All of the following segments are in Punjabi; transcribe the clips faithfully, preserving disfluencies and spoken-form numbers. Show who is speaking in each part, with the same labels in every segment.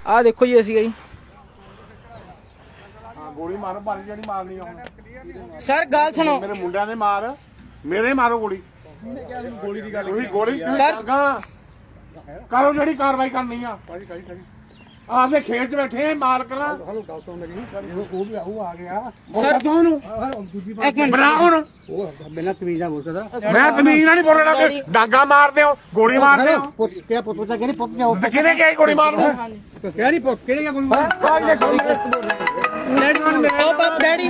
Speaker 1: ਆ ਦੇਖੋ ਜੀ ਅਸੀਂ ਜੀ
Speaker 2: ਗੋਲੀ ਮਾਰੋ ਭਾਰੀ ਜਿਹੜੀ ਮਾਰਨੀ ਆ
Speaker 1: ਸਰ ਗੱਲ ਸੁਣੋ
Speaker 2: ਮੇਰੇ ਮੁੰਡਿਆਂ ਦੇ ਮਾਰ ਮੇਰੇ ਮਾਰੋ ਗੋਲੀ ਗੋਲੀ ਦੀ ਗੱਲ ਗੋਲੀ
Speaker 1: ਸਰ
Speaker 2: ਕਰੋ ਜਿਹੜੀ ਕਾਰਵਾਈ ਕਰਨੀ ਆ ਆਪਦੇ ਖੇਤ 'ਚ ਬੈਠੇ ਮਾਲਕ ਨਾ
Speaker 3: ਹਲੋ ਗੱਲ ਸੁਣ ਮੇਰੀ ਉਹ ਵੀ ਉਹ ਆ ਗਿਆ
Speaker 2: ਸਰ ਤੁਹਾਨੂੰ
Speaker 1: ਇੱਕ ਮਿੰਟ
Speaker 2: ਬਣਾ ਹੁਣ
Speaker 3: ਉਹ ਬਿਨਾਂ ਤਮੀਜ਼ ਨਾਲ ਬੋਲਦਾ
Speaker 2: ਮੈਂ ਤਮੀਜ਼ ਨਾਲ ਨਹੀਂ ਬੋਲਣਾ ਕਿ ਡਾਂਗਾ ਮਾਰਦੇ ਹੋ ਗੋਲੀ ਮਾਰਦੇ ਹੋ
Speaker 3: ਪੁੱਤ ਕਿਆ ਪੁੱਤ ਪੁੱਤ ਕਹਿੰਦੇ ਪੁੱਤ ਜਾਓ
Speaker 2: ਤੇ ਕਿਹਨੇ ਕਿਹਾ ਗੋਲੀ ਮਾਰਨੂੰ
Speaker 3: ਕਿਆ ਨਹੀਂ ਪੁੱਤ ਕਿਹਨੇ ਗੋਲੀ
Speaker 1: ਉਹ ਬਾਪ ਡੈਡੀ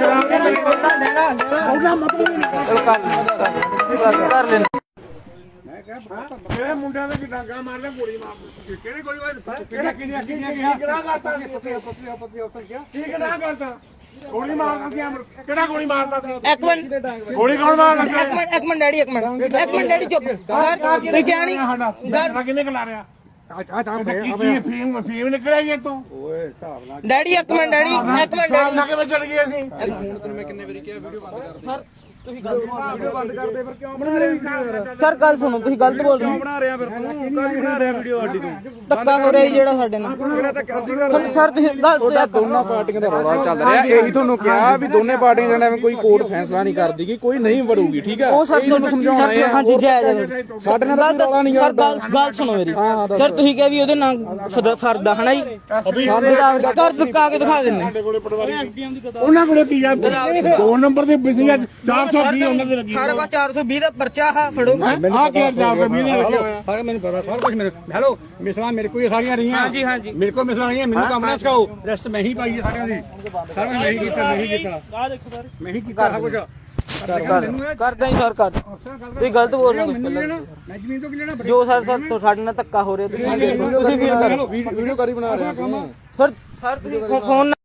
Speaker 1: ਕਰ ਲੈਣਾ
Speaker 2: ਮੇਰੇ ਮੁੰਡਿਆਂ ਦੇ ਡਾਂਗਾ ਮਾਰਦੇ ਗੋਲੀ ਮਾਰਦੇ
Speaker 3: ਕਿਹਨੇ ਗੋਲੀ ਮਾਰੀ ਕਿਹਨੇ ਕਿਹਨੇ ਕਿਹਨੇ ਕਿਹਾ
Speaker 2: ਕਿਹੜਾ ਕਰਤਾ
Speaker 3: ਪੁੱਤ ਪੁੱਤ ਪੁੱਤ ਉੱਤਰ ਗਿਆ
Speaker 2: ਕੀ ਕਿਹੜਾ ਕਰਤਾ ਗੋਲੀ ਮਾਰਦਾ ਸੀ ਅਮਰ ਕਿਹੜਾ ਗੋਲੀ ਮਾਰਦਾ ਸੀ
Speaker 1: ਇੱਕ ਮਿੰਟ
Speaker 2: ਗੋਲੀ ਕੌਣ ਮਾਰਦਾ
Speaker 1: ਇੱਕ ਮਿੰਟ ਇੱਕ ਮਿੰਟ ਡੈਡੀ ਇੱਕ ਮਿੰਟ ਇੱਕ ਮਿੰਟ ਡੈਡੀ ਚੁੱਪ ਸਰ ਤੁਸੀਂ ਕਿਹਾ ਨਹੀਂ
Speaker 2: ਸਾਡਾ ਕਿੰਨੇ ਖਿਲਾ ਰਿਹਾ
Speaker 3: ਆ ਤਾਂ
Speaker 2: ਕੀ ਕੀ ਫੀਮ ਫੀਮ ਨਿਕਲਿਆ ਜੀ ਤੋਂ
Speaker 3: ਓਏ ਹਿਸਾਬ ਨਾਲ
Speaker 1: ਡੈਡੀ ਇੱਕ ਮਿੰਟ ਡੈਡੀ ਇੱਕ ਮਿੰਟ
Speaker 2: ਸ਼ਾਮ
Speaker 1: ਡੈਡੀ
Speaker 2: ਨਾਲ ਕਿਵੇਂ ਚੜ ਗਏ ਅਸੀਂ
Speaker 3: ਹੁਣ ਤੈਨੂੰ ਮੈਂ ਕਿੰਨੇ ਵਾਰੀ ਕਿਹਾ ਵੀਡੀਓ ਬੰਦ ਕਰ ਦੇ
Speaker 1: ਤੁਸੀਂ ਗੱਲ
Speaker 3: ਵੀਡੀਓ ਬੰਦ ਕਰ ਦੇ ਫਿਰ ਕਿਉਂ ਬਣਾ ਰਿਹਾ
Speaker 1: ਸਰ ਗੱਲ ਸੁਣੋ ਤੁਸੀਂ ਗਲਤ ਬੋਲ ਰਹੇ ਹੋ
Speaker 3: ਬਣਾ ਰਿਹਾ ਫਿਰ ਤੂੰ ਕਾਹਦੀ ਬਣਾ ਰਿਹਾ ਵੀਡੀਓ ਸਾਡੀ ਤੂੰ
Speaker 1: ਧੱਕਾ ਹੋ ਰਿਹਾ ਜੀ ਜਿਹੜਾ ਸਾਡੇ ਨਾਲ
Speaker 3: ਕਿਹੜਾ ਧੱਕਾ ਸੀਗਾ
Speaker 1: ਤੁਹਾਨੂੰ ਸਰ ਤੁਸੀਂ ਗਲਤ
Speaker 4: ਤੁਹਾਡਾ ਦੋਨਾਂ ਪਾਰਟੀਆਂ ਦਾ ਰੌਲਾ ਚੱਲ ਰਿਹਾ ਇਹੀ ਤੁਹਾਨੂੰ ਕਿਹਾ ਵੀ ਦੋਨੇ ਪਾਰਟੀਆਂ ਜਿਹੜਾ ਐਵੇਂ ਕੋਈ ਕੋਰਟ ਫੈਸਲਾ ਨਹੀਂ ਕਰਦੀ ਕਿ ਕੋਈ ਨਹੀਂ ਵੜੂਗੀ ਠੀਕ ਆ
Speaker 1: ਉਹ ਸਰ
Speaker 4: ਇਹੀ ਤੁਹਾਨੂੰ ਸਮਝਾਉਣਾ ਹੈ
Speaker 1: ਹਾਂਜੀ ਜਾਇਜ਼
Speaker 4: ਸਾਡੇ ਨਾਲ ਤਾਂ ਕੋਈ ਰੌਲਾ ਨਹੀਂ
Speaker 1: ਸਰ ਗੱਲ ਗੱਲ ਸੁਣੋ ਮੇਰੀ ਸਰ ਤੁਸੀਂ ਕਿਹਾ ਵੀ ਉਹਦੇ ਨਾਲ ਫਰਦਾ ਹਨਾ ਜੀ ਕਰ ਦੁਕਾ ਕੇ ਦਿਖਾ ਦਿੰਨੇ
Speaker 2: ਉਹਨਾਂ ਕੋਲੇ ਕੀ ਆ ਦੋ ਨੰਬਰ ਦੇ ਬਿਸੀ ਅੱਜ ਚਾਰ ਸੌ ਵੀਹ ਉਹਨਾਂ ਦੇ ਲੱਗੀ
Speaker 1: ਸਾਰੇ ਵਾ ਚਾਰ ਸੌ ਵੀਹ ਦਾ ਪਰਚਾ ਆ ਫੜੋ
Speaker 2: ਆ ਕੀ ਚਾਰ ਸੌ ਵੀਹ ਦੇ ਲੱਗਿਆ ਹੋਇਆ
Speaker 3: ਸਾਰਾ ਮੈਨੂੰ ਪਤਾ ਸਾਰਾ ਕੁਝ ਮੇਰੇ ਹੈਲੋ ਮਿਸਲਾਂ ਮੇਰੇ ਕੋਲ ਸਾਰੀਆਂ ਰਹੀਆਂ
Speaker 1: ਹਾਂਜੀ ਹਾਂਜੀ
Speaker 3: ਮੇਰੇ ਕੋਲ ਮਿਸਲਾਂ ਰਹੀਆਂ ਮੈਨੂੰ ਕੰਮ ਨਾ ਸਿਖਾਓ ਰੈਸਟ ਮੈਂ ਹੀ ਪਾਈ ਸਾਰਿਆਂ ਦੀ ਸਾਰਾ ਮੈਂ ਹੀ ਕੀਤਾ ਮੈਂ ਹੀ ਕੀਤਾ
Speaker 1: ਆ ਦੇਖੋ ਸਰ
Speaker 3: ਮੈਂ ਹੀ ਕੀਤਾ ਸਭ ਕੁਝ
Speaker 1: ਕਰਦਾ ਹੀ ਸਰ ਕਰ ਤੁਸੀਂ ਗਲਤ ਬੋਲ ਰਹੇ ਹੋ
Speaker 3: ਮੈਂ ਜ਼ਮੀਨ ਤੋਂ ਕੀ ਲੈਣਾ
Speaker 1: ਜੋ ਸਰ ਸਰ ਸਾਡੇ ਨਾਲ ਧੱਕਾ ਹੋ ਰਿਹਾ ਤੁਸੀਂ ਤੁਸੀਂ ਫੀਲ ਕਰੋ
Speaker 4: ਵੀਡੀਓ ਕਰੀ ਬਣਾ ਰਿਹਾ ਤੂੰ
Speaker 1: ਸਰ ਸਰ ਤੁਸੀਂ ਫੋਨ